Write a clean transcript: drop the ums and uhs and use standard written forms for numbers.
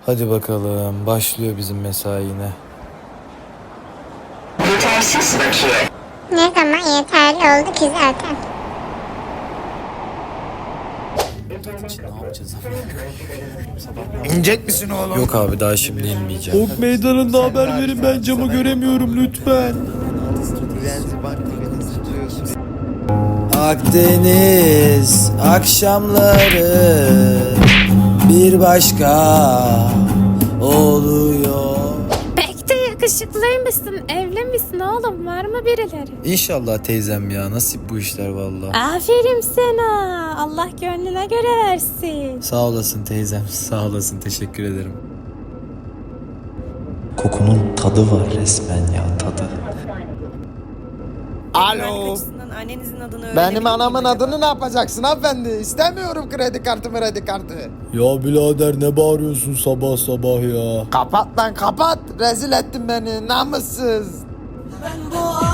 Hadi bakalım, başlıyor bizim mesai yine. Yetersiz bakiye. Ne zaman yeterli oldu ki zaten. Ne yapacağız? İnecek misin oğlum? Yok abi, daha şimdi inmeyeceğim. Ok meydanında haber verin, ben camı göremiyorum lütfen. Akdeniz akşamları bir başka oluyor. Pek de yakışıklıymışsın. Evli misin oğlum? Var mı birileri? İnşallah teyzem ya, nasip bu işler vallahi. Aferin sana. Allah gönlüne göre versin. Sağ olasın teyzem, sağ olasın, teşekkür ederim. Kokunun tadı var resmen ya, tadı. Alo. Annenizin adını öğrenebilir Benim miyim anamın acaba? adını ne yapacaksın hanımefendi? İstemiyorum kredi kartı. Ya birader, ne bağırıyorsun sabah sabah ya? Kapat lan kapat. Rezil ettin beni namussuz. Ben bu